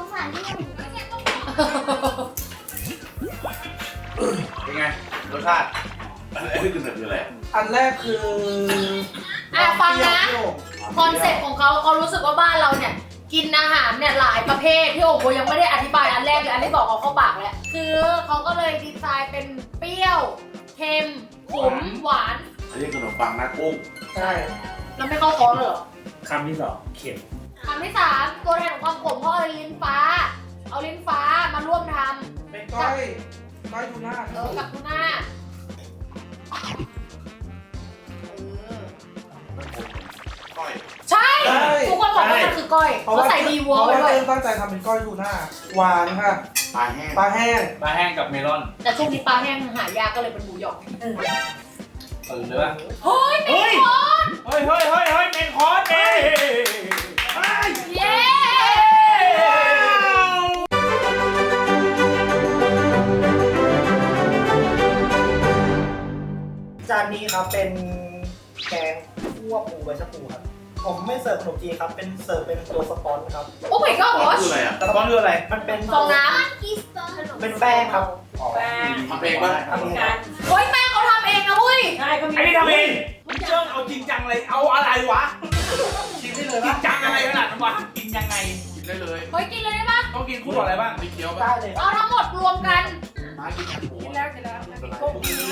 [SPEAKER 3] เป็นไงรสชาติอันนี้คือคืออะไร
[SPEAKER 2] อันแรกคือ
[SPEAKER 4] อ่ะฟังนะ
[SPEAKER 2] เปรี้ยว
[SPEAKER 4] คอนเซ็ปต์ของเขาเขารู้สึกว่าบ้านเราเนี่ย กินอาหารเนี่ยหลายประเภทที่โอ้โหยังไม่ได้อธิบายอันแรกเลยอันที่บอกเอาเข้าปากแล้วคือเขาก็เลยดีไซน์เป็นเปรี้ยวเค็มขมหวาน
[SPEAKER 6] อันนี้ขนมปังหน้ากุ้ง
[SPEAKER 2] ใช่
[SPEAKER 4] แล้วไม่เข้าคอร์สเลยเหรอ
[SPEAKER 8] คำที่สองเข็ม
[SPEAKER 4] คำที่สามตัวแทนของความขมเพราะเอาลิ้นฟ้า เอาลิ้นฟ้ามาร่วมท
[SPEAKER 2] เป็นก้อยก้อยทูน่า
[SPEAKER 4] ำเออกับทูน่าเออใช่ทุกคนบอกว่ามันคือก้อย
[SPEAKER 2] เพราะ
[SPEAKER 4] เขา
[SPEAKER 2] ว่า
[SPEAKER 4] ใส่ดีวัว
[SPEAKER 2] เพ
[SPEAKER 4] ไว้
[SPEAKER 2] ราะว่า
[SPEAKER 4] ด้วย
[SPEAKER 2] เติ้ลตั้งใจทำเป็นก้อยทูน่าหวานค่ะ
[SPEAKER 6] ปลาแห้ง
[SPEAKER 2] ปลาแห้ง
[SPEAKER 3] ปลาแห้งกับเมลอน
[SPEAKER 4] แต่ช่วงนี้ปลาแห้งหายากก็เลยเป็นหมูหยอง
[SPEAKER 3] ตื่นเลยป่ะ
[SPEAKER 4] เฮ้ย
[SPEAKER 8] เฮ้ย
[SPEAKER 3] เฮ้ยเฮ้ยเฮ้ยเฮ้ยเมนคอร์สเอ้ย
[SPEAKER 4] เย้
[SPEAKER 2] นนี้ครับเป็นแกงคั่วปูใบชะพูครับผมไม่เสิร์ฟขนมจีนครับเป็นเสิร์ฟเป็นตัวสปอนครับ
[SPEAKER 4] โอ้ my god
[SPEAKER 6] คืออะไรอ่ะ
[SPEAKER 3] ตะกอนคืออะไร
[SPEAKER 2] มันเป็น
[SPEAKER 4] ฟองน้
[SPEAKER 2] เป็นแป้งครับ
[SPEAKER 9] แป้ง
[SPEAKER 6] ทำเองป่ะ
[SPEAKER 2] ทำเอง
[SPEAKER 9] กัน
[SPEAKER 4] ำโอ้ยแม่เขาทำเองนะเว้ย
[SPEAKER 9] ใช่ก็มี
[SPEAKER 3] ไอ้นี่ทำเองเจิ้งเอาจริงจังเลย เอาอะไรวะ
[SPEAKER 2] ชิมได้เล
[SPEAKER 3] จ
[SPEAKER 2] ย
[SPEAKER 3] ริ
[SPEAKER 2] ปะ
[SPEAKER 3] งจังอะไรขนาดนั้นวะ กินยังไง
[SPEAKER 6] กินได้เลย
[SPEAKER 4] เฮ้ยกินเลยได้ปะ
[SPEAKER 3] ต้องกินคู่กับอะไรบ้าง
[SPEAKER 6] มีเคี้ยว
[SPEAKER 2] ได้
[SPEAKER 6] ป่ะ
[SPEAKER 2] เลย
[SPEAKER 4] เอาทั้งหมดรวมกัน
[SPEAKER 6] มากินกันหมู
[SPEAKER 9] กินแล้วกินแล้วกุ้ง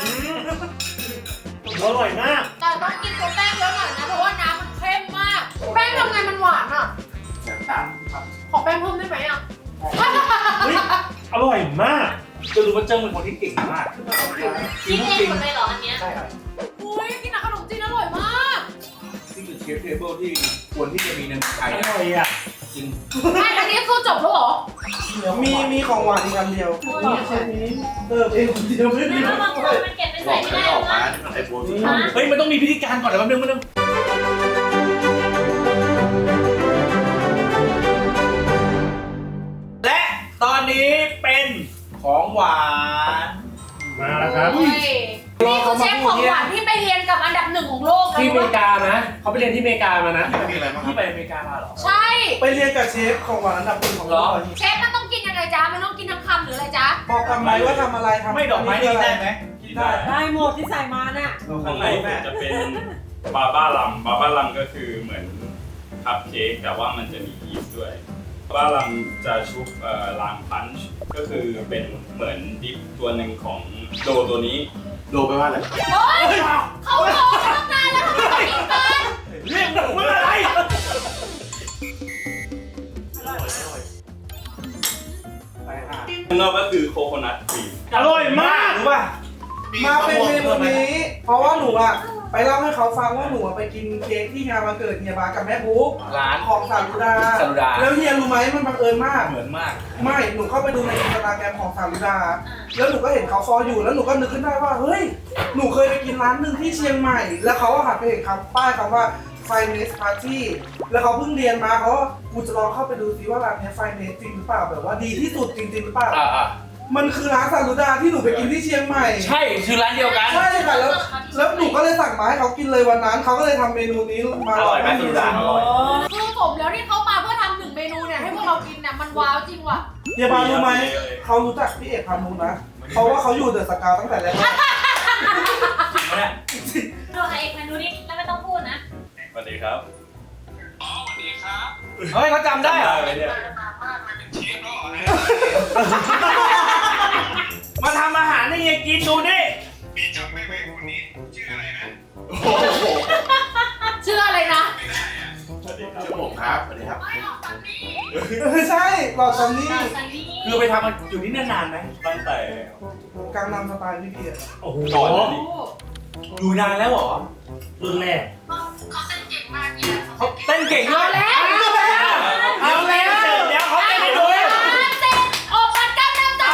[SPEAKER 8] อร่อยมาก
[SPEAKER 4] แต่ต้องกินตัวแป้งเยอะหน่อยนะเพราะว่าน้ำมันเข้มมาก แป้งทำไงมันหวานอ่ะ
[SPEAKER 6] แสบตาครับ
[SPEAKER 4] ขอแป้งเพิ่มได้ไหมอ่ะ
[SPEAKER 8] เฮ้ย อร่อยมาก
[SPEAKER 3] จะรู้ว่าเจิ้งเป็นคนที่เก่งมาก
[SPEAKER 4] กินเองหมดเลยเหรออันเนี้ย
[SPEAKER 2] ใช่ครับ
[SPEAKER 4] อุ้ยกินกับขนมจีนอร่อยมาก
[SPEAKER 3] ที่คือเชฟเทเบิลที่ควรที่จะมีในเมืองไทย
[SPEAKER 8] อร่อยอ่ะ
[SPEAKER 3] จริง
[SPEAKER 4] แม่อันนี้คือจบแล้วเหรอ
[SPEAKER 1] มีมีของหวานอีกอันเดียวนี่เชฟนี้เติมเองคนเดียวไม่มี
[SPEAKER 9] แล้วบางคนมันเก็บไป
[SPEAKER 6] บ
[SPEAKER 9] ใส่
[SPEAKER 6] อก
[SPEAKER 9] ไม่
[SPEAKER 6] ให้
[SPEAKER 9] ได้
[SPEAKER 6] ออก
[SPEAKER 9] หร
[SPEAKER 6] มา
[SPEAKER 9] อ
[SPEAKER 6] นี่มันไอโฟนที่
[SPEAKER 3] เฮ้ย มันต้องมีพิธีการก่อนเดี๋ยวแป๊บนึงแป๊บนึงและตอนนี้เป็นของหวาน
[SPEAKER 8] มาแล้วครับ
[SPEAKER 4] เฮ้ยนี่คือเชฟของหวานที่ไปเรียนกับอันดับหนึ่งของโลกนะ
[SPEAKER 8] ที่อเมริกานะ เขาไปเรียนที่อเมริกามานะ
[SPEAKER 6] มีอะไรบ้างครั
[SPEAKER 3] ที่
[SPEAKER 6] บ
[SPEAKER 3] ไปอเมริกามาเหรอ
[SPEAKER 4] ใช่
[SPEAKER 1] ไปเรียนกับเชฟของหวานอันดับหนึ่งของโลก
[SPEAKER 4] เชฟมันต้องกินยังไงจ๊ะ มันต้องกินทั้งคำหรืออะไรจ๊ะ
[SPEAKER 1] บอกทำไมว่าทำอะไรทำ
[SPEAKER 3] ไม่ดอกไม้นี่ได้ไหม
[SPEAKER 1] กินได้
[SPEAKER 9] ได้หมดที่ใส่มาน่ะ
[SPEAKER 3] ข้างในแม่
[SPEAKER 11] จะเป็นบาบ้าลัมบาบ้าลัมก็คือเหมือนคัพเค้กแต่ว่ามันจะมียีสต์ด้วยบาบ้าลัมจะชุบเอ่อลางพันช์ก็คือเป็นเหมือนดิปตัวหนึ่งของโดตัวนี้
[SPEAKER 6] โดไปว่าอะไร
[SPEAKER 4] โอ๊ยเขารอตั้งนานแล้วทำไมไม่กินกัน
[SPEAKER 3] เรียกหนูว่าอะไร
[SPEAKER 11] ข้างนอกก็คือโคโคนัทครีม
[SPEAKER 3] อร่อยมากรู้ป่ะ
[SPEAKER 1] มาเป็นเมนูนี้ เพราะว่าหนูอ่ะไปเล่าให้เขาฟังว่าหนูอะไปกินเค้กที่งานวันเกิดเฮียบากับแม่บุ๊ก
[SPEAKER 3] ร้าน
[SPEAKER 1] ของสารุดา
[SPEAKER 3] สารุดา
[SPEAKER 1] แล้วเฮียรู้ไหมมันบังเอิญมาก
[SPEAKER 3] เหมือนมาก
[SPEAKER 1] ไม่ หนูเข้าไปดูในอินสตาแกรมของสารุดา แล้วหนูก็เห็นเขาฟออยู่ แล้วหนูก็นึกขึ้นได้ว่า เฮ้ย หนูเคยไปกินร้านหนึ่งที่เชียงใหม่ แล้วเขาก็หันไปเห็นคำป้ายคำว่า Finest Party แล้วเขาเพิ่งเรียนมาเขาว่ากูจะลองเข้าไปดูซิว่าร้านเนี้ย Finest จริงหรือเปล่า แบบว่าดีที่สุดจริงๆหรือเปล่า
[SPEAKER 3] อ่าอ่า
[SPEAKER 1] มันคือร้านสารุดาที่หนูไปกินที่เชียงใหม่
[SPEAKER 3] ใช่ คือร้านเดียวกัน
[SPEAKER 1] ใช่ค่ะ แล้ว แล้วหนูก็เลยสั่งมาให้เขากินเลยวันนั้น เขาก็เลยทำเมนูนี้มา
[SPEAKER 3] อร่อยไหมสารุดาอร่อย
[SPEAKER 4] คือสมแล้วที่เขามาเพื่อทำหนึ่งเมนูเนี่ยให้พวกเรากินเนี่ยมันว้าวจริงว่ะ
[SPEAKER 1] เฮียบารู้ไหม เขารู้จักพี่เอกพานุนะ เพราะว่าเขาอยู่เดอะสกาวตั้งแต่แรก
[SPEAKER 3] จริงไหมเนี่ย
[SPEAKER 9] เราเอกเมนูนี้แล้วไม่ต้องพูดนะ
[SPEAKER 11] สวัสดีครับ
[SPEAKER 3] เฮ้ยเขาจำได้เหรอ
[SPEAKER 11] ไหมเนี่ย
[SPEAKER 3] มาทำอาหารให้เฮียกินดูดิ
[SPEAKER 4] ชื่ออะไรนะ
[SPEAKER 11] สวัสดีครับ
[SPEAKER 6] ชื่อผมครับสวัสดีครับ
[SPEAKER 1] ไม่ใช่หลอดซันนี่
[SPEAKER 3] คือไปทำมันอยู่ที่นี่นานไหม
[SPEAKER 11] ตั้งแต่
[SPEAKER 1] กลางนำสไตล์พี่เกียรติ
[SPEAKER 8] โอ้โห
[SPEAKER 11] ก่อนหน้านี้
[SPEAKER 3] อยู่นานแล้วเหรอ
[SPEAKER 8] รุ่นแรก
[SPEAKER 3] เขาเต้นเก่งด้ว
[SPEAKER 4] เอา
[SPEAKER 3] ย
[SPEAKER 4] แล้ว
[SPEAKER 3] เอาแล้วเดี๋ยวเขาเต้นให้ดู
[SPEAKER 4] สามสิบออกพันเก้าน้ำใจ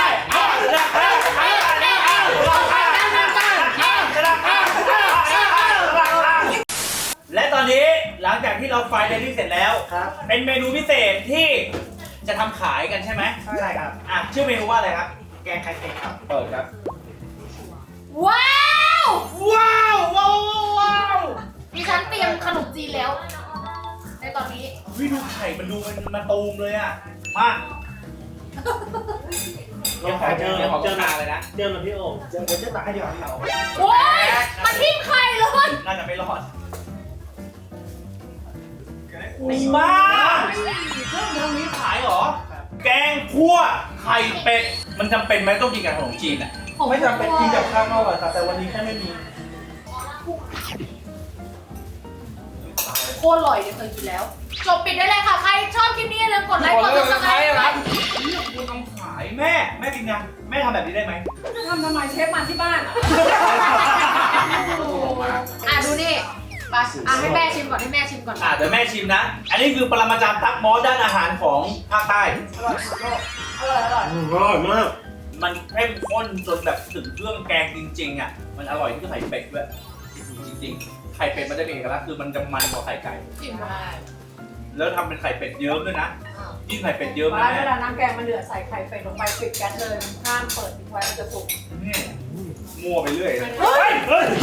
[SPEAKER 3] และตอนนี้หลังจากที่เราไฟเดลี่เสร็จแล้ว
[SPEAKER 2] ครับ
[SPEAKER 3] เป็นเมนูพิเศษที่จะทำขายกันใช่ไหม
[SPEAKER 2] ใช่ครับ
[SPEAKER 3] อ่ะชื่อเมนูว่าอะไรครับ
[SPEAKER 2] แกงไข่เป็ดครับ
[SPEAKER 3] เปิดครับ
[SPEAKER 4] ว้าว
[SPEAKER 3] ว้าวว้าวว้าว
[SPEAKER 4] ดิฉันเตรียมขนมจีนแล้ว ในตอนนี้
[SPEAKER 3] วิดูไข่มันดูมันมาตูมเลยอ่ะ มา
[SPEAKER 8] ลองขอเจอ
[SPEAKER 3] เดี๋ยวขอ
[SPEAKER 8] เจอ
[SPEAKER 3] ทานเลยนะ
[SPEAKER 8] เจอมาพี่โอ่ง
[SPEAKER 2] เดี๋ยวเดี๋ยวจะตักให้เดี๋ยวให้เขา
[SPEAKER 4] โอ้ยมันทิ่มไข่เลย
[SPEAKER 3] น่าจะไม่รอดบ้าเครื่องทำนี้ขายเหรอ แกงคั่วไข่เป็ด มันจำเป็นไหมต้องกินกับขนมจีนอ่ะ
[SPEAKER 1] ไม่จำเป็นกินกับข้าวก็อร่อยค่ะแต่วันนี้แค่ไม่มี
[SPEAKER 4] โคตรอร่อยเดี๋ยวเคยกินแล้ว จบปิดได้เลยค่ะ ใครชอบคลิปนี้อย่าลืมกดไลค์ กด subscribe
[SPEAKER 3] ครับ คุณทำขายแม่ แม่กินยังแม่ทำแบบนี้ได้ไหม
[SPEAKER 9] จะทำทำไมเชฟมาที่บ้านอ่ะ
[SPEAKER 4] อ่ะดูนี่ไปอ่ะให้แม่ชิมก่อนให้แม่ชิมก่อน
[SPEAKER 3] อ่ะเดี๋ยวแม่ชิมนะ อันนี้คือปรมาจารย์ตักหมอด้านอาหารของภาคใต้
[SPEAKER 9] อร่อยอร่อย
[SPEAKER 8] อืมอร่อยมาก
[SPEAKER 3] มันเข้มข้นจนแบบถึงเครื่องแกงจริงๆอ่ะ มันอร่อยที่ไข่เป็ดด้วย จริงๆ ไข่เป็ดมันจะเป็นเอกลักษณ์คือมันจะมันกว่าไข่ไก่
[SPEAKER 4] ชิมได้
[SPEAKER 3] แล้วทำเป็นไข่เป็ดเยิ้มด้วยนะยิ่งไข่เป็ดเยิ้ม
[SPEAKER 9] เว
[SPEAKER 3] นะ
[SPEAKER 9] ลา
[SPEAKER 3] แม่
[SPEAKER 9] เวลาน้ำแกงมันเดือดใส่ไข่เป็ดลงไปปิดแก๊สเลยห้ามเปิดทิ้งไว้มันจะสุก
[SPEAKER 3] นี่มั่วไปเรื่อยเลย
[SPEAKER 8] เฮ้ยเฮ้ย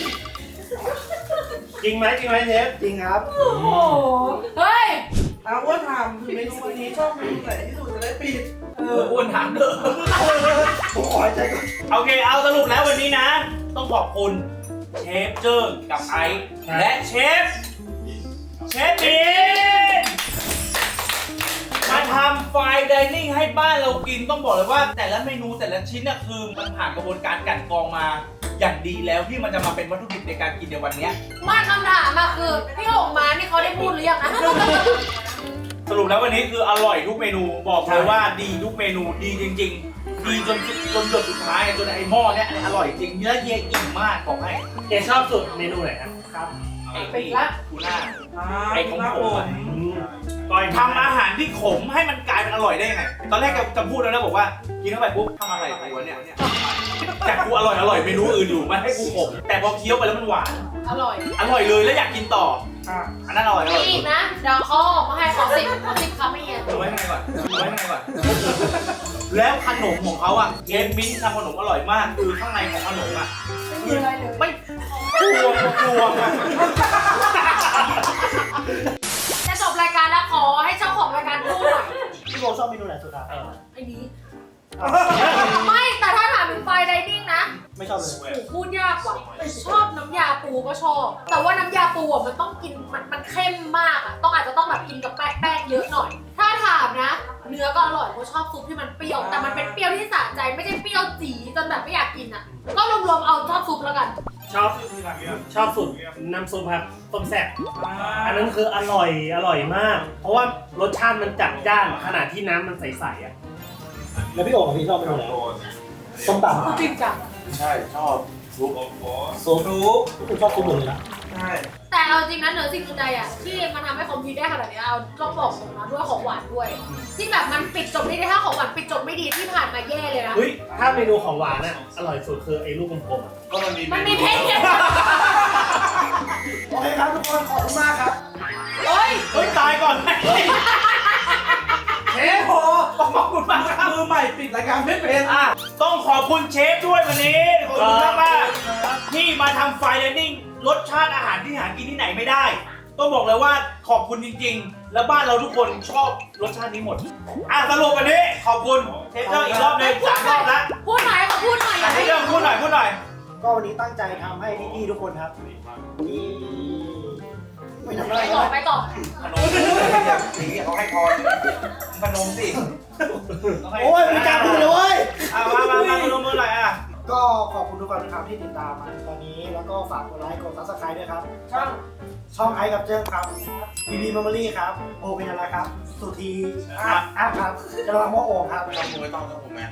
[SPEAKER 8] จริงไหมจริงไหมเชฟ
[SPEAKER 2] จริงครับ
[SPEAKER 9] โอ้โห
[SPEAKER 4] เฮ้ย
[SPEAKER 1] เอาว่าถามคือเมนูวันนี้ชอบเมนูไหนที่สุดจะได้ปิด
[SPEAKER 3] เอออ้วนถามเด้อ
[SPEAKER 2] ผมขอใจก่อน
[SPEAKER 3] โอเคเอาสรุปแล้ววันนี้นะ ต้องขอบคุณเชฟเจิ้งกับไอซ์และเชฟเชฟบีนมาทำไฟน์ไดนิ่งให้บ้านเรากินต้องบอกเลยว่า แต่ละเมนูแต่ละชิ้นน่ะคือมันผ่านกระบวนการกลั่นกรองมาอย่างดีแล้วที่มันจะมาเป็นวัตถุดิบในการกินในวันเนี้ย
[SPEAKER 4] มาคำถามมาคือพี่หงมานี่เขาได้พูดหรือยังนะ
[SPEAKER 3] สรุปแล้ววันนี้คืออร่อยทุกเมนูบอกเลยว่าดีทุกเมนูดีจริง ๆ ดีจนสุดจนหยดสุดท้ายจนไอ้หม้อเนี้ยอันนี้อร่อยจริงเนื้อเยอิ่มมากบอกให้
[SPEAKER 8] เอชอบสุดเมนูไหนครับ
[SPEAKER 2] ครับ
[SPEAKER 3] ไอ้ปีทูน่า ไอ้ของผมอะ
[SPEAKER 8] ก้อย
[SPEAKER 3] ทำอาหารที่ขมให้มันกลายเป็นอร่อยได้ยังไง ตอนแรกจะจะพูดแล้วนะบอกว่ากินเข้าไปปุ๊บทำอะไรกูวะเนี่ยจากกูอร่อยอร่อยเมนูอื่นอยู่มันให้กูขมแต่พอเคี้ยวไปแล้วมันหวาน
[SPEAKER 4] อร่อย
[SPEAKER 3] อร่อยเลยแล้วอยากกินต่ออันนั้นอร่อยอร่อย
[SPEAKER 4] มีอีกนะ เดี๋ยวเขาออกมาให้ขอสิบขอสิบคำไม่เงี้ย
[SPEAKER 3] เอาไว้ให้ก่อนเอาไว้ให้ก่อนแล้วขนมของเขาอ่ะเชฟมิ้นท์ทำขนมอร่อยมากคือข้างในของขนมอ่ะ
[SPEAKER 4] ไม่มีอะไรเลย
[SPEAKER 3] ไม่กลัวกลัวอะ
[SPEAKER 4] จะจบรายการแล้วขอให้เจ้าของรายการพูดหน่อย
[SPEAKER 2] พี่โบชอบเมนูไหนสุดครับ
[SPEAKER 4] ไอ้นี้ ไม่แต่ถ้าถามถึงไฟไดนิ่งนะ
[SPEAKER 2] ไม่ชอบเลย
[SPEAKER 4] โอ้พูดยากว่ะชอบน้ำยาปูก็ชอบ แต่ว่าน้ำยาปูอ่ะมันต้องกินมันมันเข้มมากอ่ะต้องอาจจะต้องแบบกินกับแป้งแป้งเยอะหน่อย ถ้าถามนะ เนื้อก็อร่อยเพราะชอบซุปที่มันเปรี้ยวแต่มันเป็นเปรี้ยวที่สะใจไม่ใช่เปรี้ยวจี๋จนแบบไม่อยากกินอ่ะก็รวมๆเอาชอบซุปแล้วกัน
[SPEAKER 8] ชอบชอบสุดน้ำซุปครับต้มแซ่บอันนั้นคืออร่อยอร่อยมาก เพราะว่ารสชาติมันจัดจ้านขนาดที่น้ำมันใสๆอ่ะ
[SPEAKER 2] แล้วพี่โอ๋กับพี่ชอบเมนูไหนส้มตำ
[SPEAKER 4] จริงจัง
[SPEAKER 6] ใช่ชอบซุป
[SPEAKER 2] ซุปคุณชอบซุปหมดเลยนะ
[SPEAKER 6] ใช่
[SPEAKER 4] แต่เอาจริงนะเหนือสิ่งอื่นใดอ่ะที่มันทำให้คอมพิวได้ขนาดนี้เอาต้องบอกผมนะด้วยของหวานด้วย ที่แบบมันปิดจบไม่ได้ถ้าของหวานปิดจบไม่ดีที่ผ่านมาแย่เลยนะ
[SPEAKER 8] เฮ้ยถ้าเมนูของหวานอ่ะอร่อยสุดคือไอ้ลูกกลมๆอ่ะ
[SPEAKER 6] ก็มันมี
[SPEAKER 4] มันมีเพชรเนี่ย
[SPEAKER 2] โอเคครับทุกคนขอบคุณมากครับ
[SPEAKER 4] เฮ้ย
[SPEAKER 3] เฮ้ยตายก่อนเฮ้ย
[SPEAKER 1] เชฟโหขอบคุณมากครับมือใหม่ปิดรายการไม่เป็น
[SPEAKER 3] อ่ะต้องขอบคุณเชฟด้วยวันนี้ขอบคุณมากมากๆที่มาทำไฟน์ไดนิ่งรสชาติอาหารที่หากินที่ไหนไม่ได้ ต้องบอกเลยว่าขอบคุณจริงๆ แล้วบ้านเราทุกคนชอบรสชาตินี้หมดอ่ะสรุปวันนี้ขอบคุณเชฟเจ้าอีกรอบหนึงสามรอบแล้ว
[SPEAKER 4] พูดหน่อยขอพูดหน่อยอ
[SPEAKER 3] อ่ะ
[SPEAKER 4] ย่า
[SPEAKER 3] เช
[SPEAKER 4] ให้
[SPEAKER 3] ฟเจ้าพูดหน่อยพูดหน่อย
[SPEAKER 2] ก็วันนี้ตั้งใจทำให้พี่ๆทุกคนครับที่ไม่ทำอะไร
[SPEAKER 4] ไปต่อไปต่อ
[SPEAKER 3] ขนมสีเขาให้พรขนมสิต้องให้
[SPEAKER 2] โอ้ยมีการพูดเลยเว้ย
[SPEAKER 3] อ่ะมามามาขนมมือหน่อยอ่ะ
[SPEAKER 2] ก็ขอบคุณทุกคนนะครับที่ติดตามมาตอนนี้แล้วก็ฝากกดไลค์กดซับสไครต์ด้วยครับ ช่องช่องไอซ์กับเจิ้งครับบีบีมัมเบอรี่ครับโอเป็นอะไรครับ สุธีอาร์ตอาร์ตครับจะระวังว่าโอ่งครับ
[SPEAKER 6] ต้องผมไม่ต้องต้องผมแมน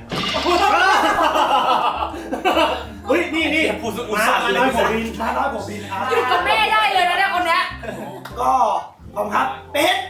[SPEAKER 8] เฮ้ยนี่นี่
[SPEAKER 3] พูดสุดอุ
[SPEAKER 8] มา
[SPEAKER 3] ตส่าห์
[SPEAKER 8] มา
[SPEAKER 3] เล
[SPEAKER 8] น้อย
[SPEAKER 3] ย
[SPEAKER 8] ผมบิน
[SPEAKER 2] น้าน้อยผมบินครับ
[SPEAKER 4] อยู่กับแม่ได้เลยนะเนี่ยคนเนี้ย
[SPEAKER 2] ก็ขอบคุณครับเป็ด